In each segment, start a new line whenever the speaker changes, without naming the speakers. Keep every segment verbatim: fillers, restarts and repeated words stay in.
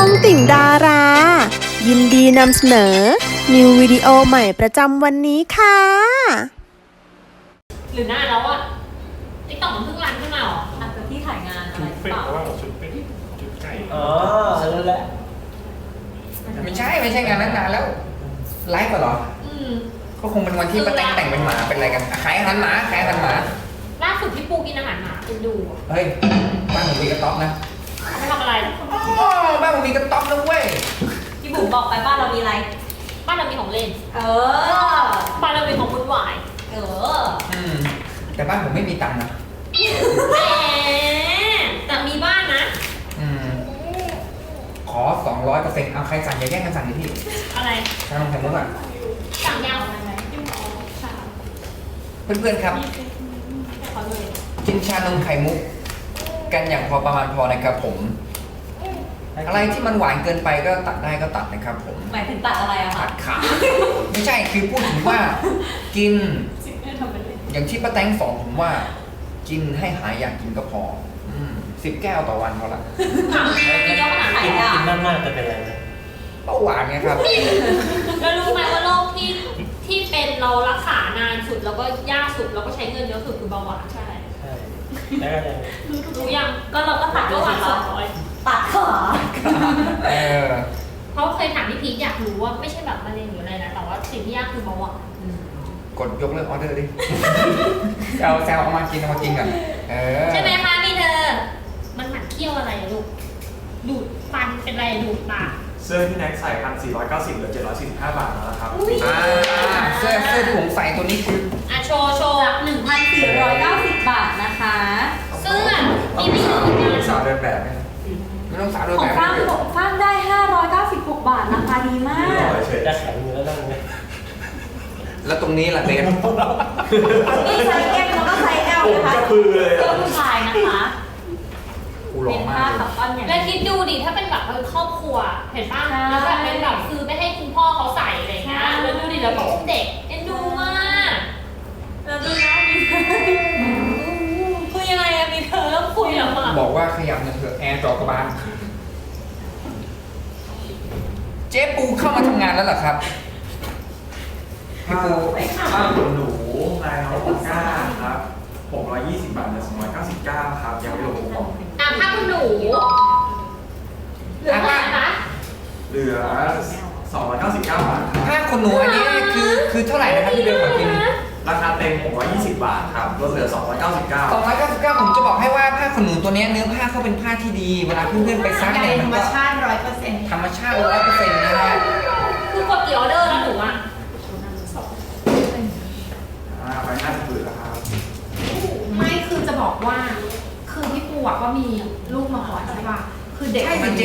องติ่งดารา ยินดีนำเสนอ นิววิดีโอใหม่ประจำวันนี้ค่ะ
หรือหน้าแล้วอะติ๊กต็อกมันเพิ่งรันขึ้นมาหรออาจจะที่ถ่ายงานอะไร
ชุดเป็ด
เปล่า
ว่าชุดเป็ดชุดไก่
อ๋อนั่นแหละไม่ใช่ไม่ใช่งานนั้นนานแล้วไลฟ์เหรอ
อืม
ก็คงเป็นวันที่ป้าแตงแต่งเป็นหมาเป็นอะไรกันขายอาหารหมาขายอาหารหมา
ล่าสุดพี่ปูกินอาหารหมาคุณดูอะ
เฮ้ยบ้านผมมีกระต๊อบนะ
ไม่ทำอะไร
อ๋อบ้านผมมีกระต๊อบนะเว้ย
พี่บุ๋มบอกไปบ้านเรามีอะไร
บ้านเรามีของเล่น
เออ
บ้านเรามีของวุ่นวาย
เออ
อืมแต่บ้านผมไม่มีตังค์นะ
แหมแต่มีบ้านนะ
อืมขอสองร้อยเปอร์เซ็นต์เอาใครสั่งอย่าแย่งกันสั่งดิพี่
อะไร
ชานมไข่มุกอ่ะ
สั่งยัง
เพื่อนๆครับ
ขอเลย
กินชานมไข่มุก กันอย่างพอประมาณพอนะครับผม อะไรที่มันหวานเกินไปก็ตัดได้ก็ตัดนะครับผม
หมายถึงตัดอะไรอะ
ตั
คะ
ดขาไม่ใช่คือพูดถึงว่ากิน อย่างที่ป้าแตงสอนผมว่า กินให้หายอยากกินก็พอสิบแก้วต่อวันพอละ
ถามกินเยอะขนาดไหน
กิน
อะ
กิน
มากๆจะเป็นอะไรนะ
เบาหวานไงครับ
แล้วรู้ไหมว่าโรคที่ที่เป็นเรารักษานานสุดแล้วก็ยากสุดแล้วก็ใช้เงินเยอะสุดคือเบาหวานใช่
ใช่แล้วก็จะ
รู้ยังก็เราก็ตัดเบาหวานสองร้อย
ตัดขา
เออ
เพราะเคยถามพี่พีทอยากรู้ว่าไม่ใช่แบบมะเร็งหรืออะไรนะแต่ว่าสิ่งที่ยากคือเบาหวาน
กดยกเลิกออเดอร์ดิแซวแซวเอามากินเอามากินกันเออ
ใช่ไหมคะพี่เธอ มันหมันเคี้ยวอะไรอะลูก ดูดฟันเป็นอะไรดูดปาก
เสื้อที่แน็กใส่พันสี่ร้อยเก้าสิบเหลือเจ็ดร้อยสี่สิบห้าบาทแล้วนะครับ
อ่าเสื้อเสื้อที่ผมใส่ตัวนี้คือ
อ่ะโชว์โชว์
จากหนึ่งพันสี่ร้อยเก้าสิบบาทนะคะ
เสื้อ
ต้อง
มี
มี
ไม่
สาว
ถึง
ต้องมี
นะ
สาวเดินแบบไหมไม่ต้องสาวเดิน
ขอ
แบ
ง
บ
ฟ้างฟ้างได้ห้าร้อยเก้าสิบหกบาทราคาดีมาก
เฉยจะแข็งอยู่แล้วนั่งเนี่ย
แล้วตรงนี้ล่ะเดน
นี่ไซส์ M แล้วก็ไซส์ L
ผม
นะคะ
ก็คือเลย
เสื้อผู้ชายนะคะ
กูหล่อ
เป็น
มา
ผ้าก คับต้อนอย่าง
แล้ว
นี้
คิดดูดิถ้าเป็นแบบเออครอบครัว เห็นป่ะ
ใช่
แล้วแบบเป็นแบบซื้อไปให้คุณพ่อเขาใส่อะไรอย่างเงี้ย แล้วดูดิแล้วแบบเด็กเอ็นดูมาก
แล้วดูนะมีเธอ
คือยังไงอะมีเธอแล้วคุยเหรอคะ
บอกว่าขยับหน่อยเถอะแอร์จอกระบาลเจ๊ปูเข้ามาทำงานแล้วเหรอครับพี่ปู
ผ้าขนหนูลายน้องปากก้าครับหกร้อยยี่สิบบาทเหลือสองร้อยเก้าสิบเก้าครับยังไม่รวมคูปอง
อ่ะผ้าคุณหนูเหลือเท่าไหร่คะ
เหลือสองร้อยเก้าสิบเก้าบาทครับ
ผ้าขนหนูอันนี้คือคือเท่าไหร่นะครับพี่เบลขอกิน
ราคาเต็มหกร้อยยี่สิบบาทครับลดเหลือสองร้อยเก้าสิบเก้า
สองร้อยเก้าสิบเก้าผมจะบอกให้ว่าผ้าขนหนูตัวเนี้ยเนื้อผ้าเขาเป็นผ้าที่ดี เวลาเพื่อนๆไปซักเนี่ยมันก็
ร้อยเปอร์เซ็นต์
ธรรมชาติร้อยเปอร์เซ็นต์นะฮะ
คือกดกี่ออเดอร์แล้วหนูอะ
อ่าไปห้าสิบผืนแล้วครับ
ไม่คือจะบอกว่า คือพี่ปูอะก็มีลูกมาก่อนใช่ป่ะ คือเด็ก
ใช่
มั
สิ
น
เจ๊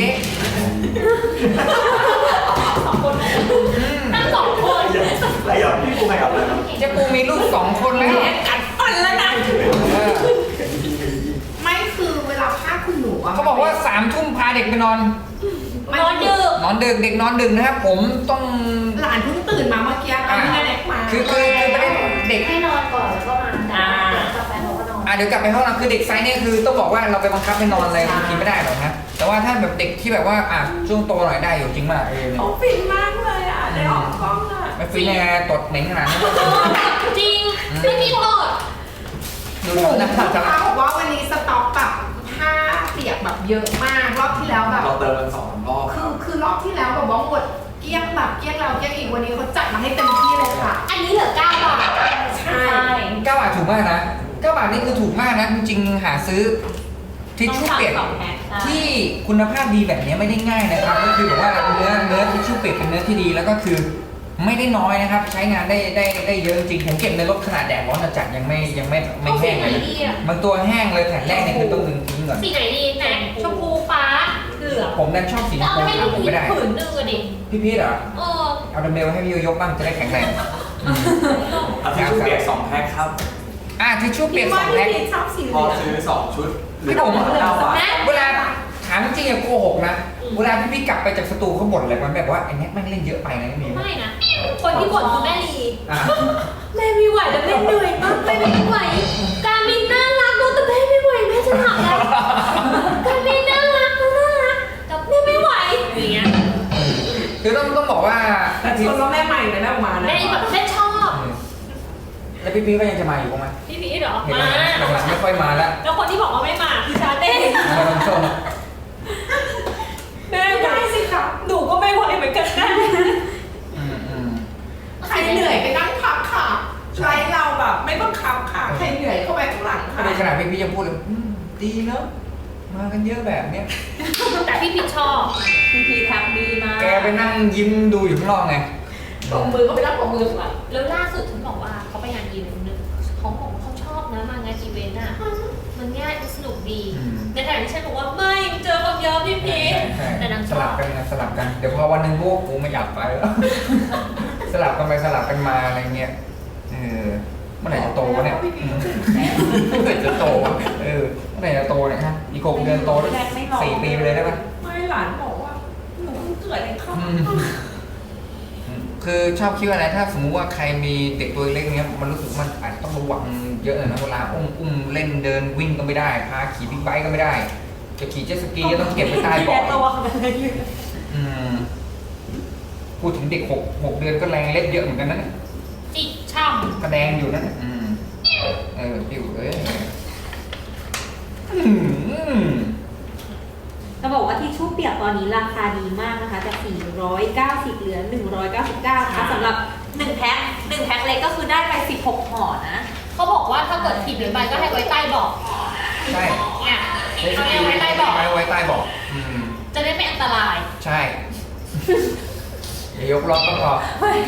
สองคนทั้งสองคน
อะไรอ่ะพี่ปูใครอ่ะอะไรครับ
เจ๊ปูมีลูกสองคนแล้ว
กัดฟันแล้วนะ
เออ
ไม่คือเวลาผ้าคุณหนูอะ
เขาบอกว่าสามทุ่มพาเด็กไปนอน
นอนดึก
นอนดึกเด็กนอนดึกนะครับผมต้อง
หลานเพิ่งตื่นมาเมื่อกี้ตอนที่แม่เล็กมา
คือคือคือไม่ได้เด็ก
ให้นอนก่อนแล้วก็มาอ่ากลับไปเขาก็นอน
อ่ะเดี๋ยวกลับไปห้องน้ำคือเด็กไซส์เนี่ยคือต้องบอกว่าเราไปบังคับให้นอนอะไรบางทีไม่ได้หรอกนะแต่ว่าถ้าแบบเด็กที่แบบว่าอ่ะช่วงโตหน่อยได้อยู่จริงมากเออเนี่ย
เขาฟินมากเลยอะได้ออกกล้องอะ
ไม่ฟินแน่ตดเหม็นขนาดนั้น
จริงไม่มีโทษ
ดูดูนะค
ลู
รับ
กค้าบอกว่าวันนี้สต็อกแบบผ้าเปียกแบบเยอะมากรอบที่แล้วแบบ
เราเติมกันสองสามรอบค
คื
รั
อบ คือรอบที่แล้วแบบว่าหมดเกลี้ยงแบบเกลี้ยงแล้วเกลี้ยงอีกวันนี้เขาจัดมาให้เต็มที่เลยค่ะ
อันนี้เหลือเก้าบาท
ใช่
เก้าบาทถูกมากนะเก้าบาทนี่คือถูกมากนะจริงๆหาซื้อทิชชู่เปียก
สองแพ็ค
ที่คุณภาพดีแบบนี้ไม่ได้ง่ายนะครับก็คือแบบว่าเนื้อเนื้อทิชชู่เปียกเป็นเนื้อที่ดีแล้วก็คือไม่ได้น้อยนะครับ ใช้งานได้ได้ได้เยอะจริงผมเก็บในรถขนาดแดดร้อนจัดยังไม่ยังไม่ไม่แห้งเลยนะบางตัวแห้งเลยแผ่นแรกเนี่ยคือต้องดึงทิ้งก่อน
สีไหนดีไหนชมพูฟ้าเหลือง
ผมดันชอบสีช
เอา
มพู
ให้
หา
พี่
ผม
พี
ไม่ได้
ผืนหนึ่งอะดิ
พี่พีทเหรอ
เออ
เอาดัมเบลให้พี่โยยกบ้างจะได้แข็งแรงอืม
เอาทิชชู่เปียกสองแพ็คครับ
อ่ะทิชชู่เปียกส
ว่า
อง
พี่
แพ็ค
พีชชอบสีเห
พ
ลื
อ
อง
ซื้อสองชุดเหลื
พี่
อ
ผม
เก้าบาท
เวลาถามจริงอะโกหกนะเวลาพี่พี่กลับไปจากสตูเขาบ่นอะไรมันแบบว่าไอ้เนี้ยแม่งเล่นเยอะไปนะไม่มี
ไม่นะ คนที่บ่นคือแม่ลี
อ่ะ
แม่ไม่ไหวแล้วแม่เหนื่อยมากแม่ไม่ไหว การมินน่ารักเนอะแต่แม่ไม่ไหวแม่จะถามแล้วการมินน่ารักเนอะน่ารักแต่แม่ไม่ไหว
คือต้องต้องบอกว่า
แต่ชวนว่าแม่ใหม่เลยแม่ออกมานะ
แม่แบบแม่ชอบ
แล้วพี่พีก็ยังจะมาอยู่ไหม
พี่พีชเหรอ
เห็น
มา
หลังๆไม่ค่อยมาแล้ว
แล้วคนที่บอกว่าไม่มาคือชาเต้
มาลงชม
แม่ได้สิคะหนูก็ไม่ไหวเหมือนกันนะ
อืมอืม
ใครเหนื่อยไปนั่งพักค่ะไลฟ์เราแบบไม่บังคับค่ะใครเหนื่อยเข้าไปข้างหลังค่ะ
ในขณะพี่พียังพูดเลยอืมดีเนอะมากันเยอะแบบเนี้ย
แต่พี่พีชชอบ
พีพีแท็บดีมาก
แกไปนั่งยิ้มดูอยู่ข้างนอกไง
ปมมือก็ไปนั่งปมมือค่ะ
แล้วล่าสุดฉันบอกว่าเขาไปงานอีเวนต์นึงเขาบอกว่าเขาชอบนะมางานอีเวนต์อ่ะมันง่ายมันสนุกดี
อืม
ในขณะที่ฉันบอกว่าไม่เจอคนเยอะพี่พีช
ใช่
แต่นาง
ส
ชอ
ลับบ กันนะสลับกัน เดี๋ยวพอวันหนึ่งพวกกูไม่อยากไปแล้ว สลับกันไปสลับกันมาอะไรเงี้ย เออ เมื่อไหร่จะโตวะเนี่ยอืมเมื่อไหร่จะโตวะเออ เมื่อไหร่จะโตเนี่ยฮะ อีกหกเดือนโตได้สี่ปีไปเลยได้ปะ
ไม่หลานบอกว่าหนูเพิ่งเกิดเองค่ะ
อืมอืมคือชอบคิดว่าอะไร ถ้าสมมุติว่าใครมีเด็กตัวเล็กเนี้ย มันรู้สึกมันอาจจะต้องระวังเยอะเลยนะ เวลาอุ้มอุ้มเล่นเดินวิ่งก็ไม่ได้ พาขี่บิ๊กไบค์ก็ไม่ได้ จะขี่เจ็ตสกีก็ต้องเก็บไว้ใต้เบาะ
ระวังอะไรอยู่
อืมพูดถึงเด็กหกหกเดือนก็แรงเล็บเยอะเหมือนกันนะเนี่ย
จิกช่ำ
กระแดงอยู่นะเนี่ยอืมเออปิวเอ้ยอืม
จะบอกว่าทิชชู่เปียกตอนนี้ราคาดีมากนะคะจากสี่ร้อยเก้าสิบเหลือหนึ่งร้อยเก้าสิบเก้านะคะสำหรับหนึ่งแพ็คหนึ่งแพ็คเล็กก็คือได้ไปสิบหกห่อนะ
เขาบอกว่าถ้าเกิดผิดหรือไปก็ให้ไว้ใต้เบาะ
ใช่
เนี่ยเขาให้ไว้ใต้เบาะ
ไว้ไว้ใต้เบาะอืม
จะได้ไม่อันตราย
ใช่อย่ายกล็อกก็พอ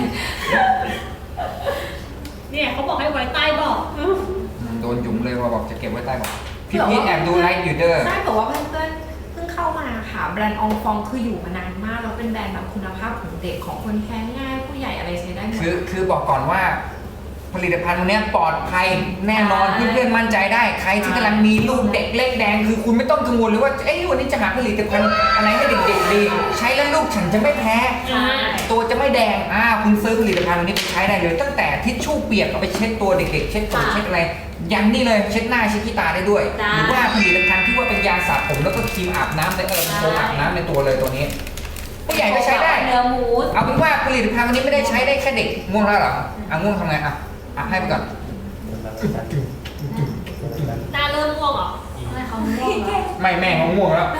เนี่ยเขาบอกให้ไว้ใต้เบาะ
อืมโดนหยุมเลยว่าบอกจะเก็บไว้ใต้เบาะพี่พีทแอบดูไลฟ์อยู่เด้อ
ใช่แต่ว่าเพื่อนๆเพิ่งเข้ามาค่ะแบรนด์อองฟองคืออยู่มานานมากแล้วเป็นแบรนด์แบบคุณภาพของเด็กของคนแพ้ง่ายผู้ใหญ่อะไรใช้ได้หมด
คือคือบอกก่อนว่า ผลิตภัณฑ์ตัวเนี้ยปลอดภัยแน่นอน
ใช่
เพื่อนๆมั่นใจได้ใครที่กำลังมีลูกเด็กเล็กแดงคือคุณไม่ต้องกังวลเลยว่าเอ้ยวันนี้จะหาผลิตภัณฑ์อะไรให้เด็กๆดีใช้แล้วลูกฉันจะไม่แพ้
ใช่
ตัวจะไม่แดงอ่าคุณซื้อผลิตภัณฑ์ตัวนี้ไปใช้ได้เลย ตั้งแต่ทิชชู่เปียกเอาไปเช็ดตัวเด็กๆเช็ดตัวเช็ดอะไรยันนี่เลยเช็ดหน้าเช็ดขี้ตาได้ด้วย
จ้า
หรือว่าผลิตภัณฑ์ที่ว่าเป็นยาสระผมแล้วก็ครีมอาบน้ำในเออโฟมอาบน้ำในตัวเลยตัวนี้ผู้ใหญ่ก็ใช้ได้
เนื้อหมู
เอาเป็นว่าผลิตภัณฑ์วันนี้ไม่ได้ใช้ได้แค่เด็กง่วงแล้วเหรออ่ะง่วงทำไงอ่ะอ่ะให้ไปก่อน
หน้าเริ่มม่วงเหรอ
ไม่เขาง่วงแล้ว
ไม่แม่เขาง่วงแล้ว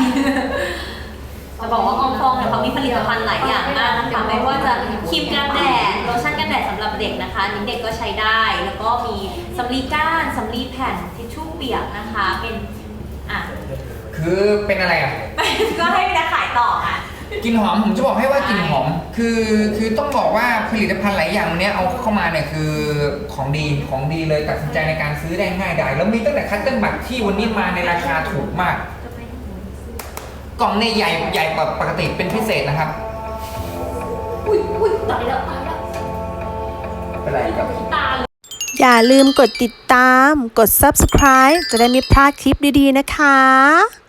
จะบอกว่าอองฟองเนี่ยเขามีผลิตภัณฑ์หลายอย่างมากนะคะไม่ว่าจะครีมกันแดดโลชั่นกันแดดสำหรับเด็กนะคะอันนี้เด็กก็ใช้ได้ แล้วก็มีสำลีก้านสำลีแผ่นทิชชู่เปียกนะคะเป็นอ่ะ
คือเป็นอะไรอ่ะ
ก็ให้พี่นักขายต่ออ่ะ
กลิ่นหอมผมจะบอกให้ว่ากลิ่นหอมคือคือต้องบอกว่าผลิตภัณฑ์หลายอย่างเนี้ยเอาเข้ามาเนี่ยคือของดีของดีเลยตัดสินใจในการซื้อได้ง่ายดายแล้วมีตั้งแต่คัตเติ้ลบัตที่วันนี้มาในราคาถูกมาก กล่องเนี่ยใหญ่ใหญ่กว่าปกติเป็นพิเศษนะครับ
อุ้ยอุ้ยตายแล้วตายแล้ว
เป็นไรครับ
ขี้ตาเลย
อย่าลืมกดติดตาม กด ซับสไครบ์ จะได้ไม่พลาดคลิปดีๆนะคะ